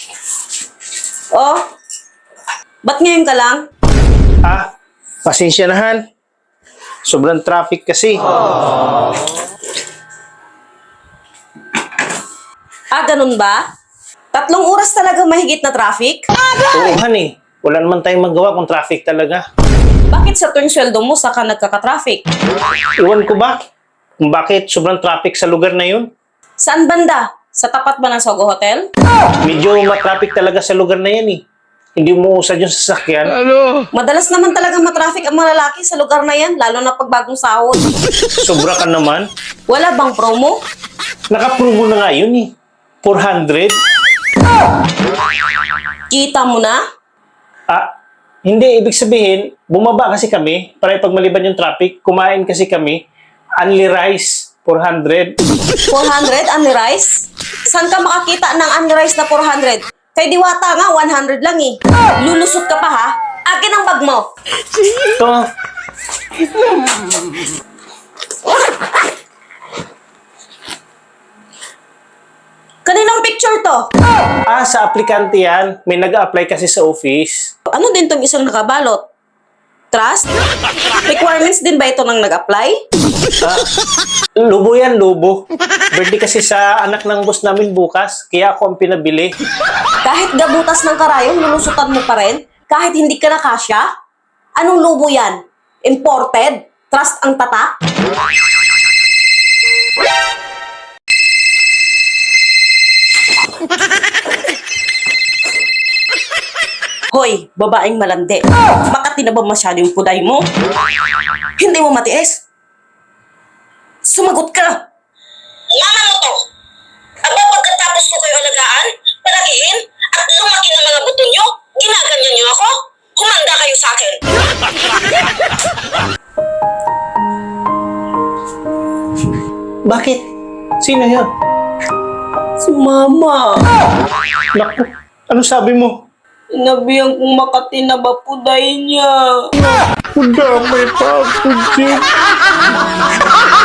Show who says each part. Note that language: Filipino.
Speaker 1: Oh, ba't ngayon ka lang?
Speaker 2: Pasensya na, Han. Sobrang traffic kasi.
Speaker 1: Ganun ba? 3 oras talaga mahigit na traffic?
Speaker 2: Oo, Han eh. Wala naman tayong magawa kung traffic talaga.
Speaker 1: Bakit sa tuwing sweldo mo saka nagkaka-traffic?
Speaker 2: Iwan ko ba kung bakit sobrang traffic sa lugar na yun?
Speaker 1: Saan banda? Sa tapat ba ng Sogo Hotel?
Speaker 2: Medyo matraffic talaga sa lugar na yan eh. Hindi mo usad yung sasakyan.
Speaker 1: Madalas naman talaga matraffic ang mga lalaki sa lugar na yan, lalo na pag bagong sahod.
Speaker 2: Sobra ka naman.
Speaker 1: Wala bang promo?
Speaker 2: Naka-promo na nga yun eh. 400?
Speaker 1: Kita mo na?
Speaker 2: Hindi. Ibig sabihin, bumaba kasi kami para pag maliban yung traffic, kumain kasi kami, only rice, 400.
Speaker 1: 400 only rice? Saan ka makakita ng only rice na 400? Kay Diwata nga, 100 lang eh. Lulusot ka pa ha? Akin ang bag mo.
Speaker 2: Ito.
Speaker 1: Kaninang picture to?
Speaker 2: Sa aplikante yan. May nag-a-apply kasi sa office.
Speaker 1: Ano din tong isang nakabalot? Trust? Requirements din ba ito ng nag-apply?
Speaker 2: Lubo yan, lubo. Birthday kasi sa anak ng boss namin bukas, kaya ako ang pinabili.
Speaker 1: Kahit gabutas ng karayom, lulusutan mo pa rin? Kahit hindi ka na kasya? Anong lubo yan? Imported? Trust ang tatak? Hoy, babaeng malandi. Makati na ba masyado yung puday mo? Hindi mo matiis? Sumagot ka!
Speaker 3: Mama mo to! Aba, pagkatapos ko kayo alagaan, palakihin, at lumaki ng mga buto nyo, ginaganyan nyo ako? Humanda kayo sa akin!
Speaker 2: Bakit? Sino yun?
Speaker 1: Si Mama.
Speaker 2: Naku, ano sabi mo?
Speaker 1: Inabihan kong Makati na ba puday niya?
Speaker 2: Damay pa ako, Jim.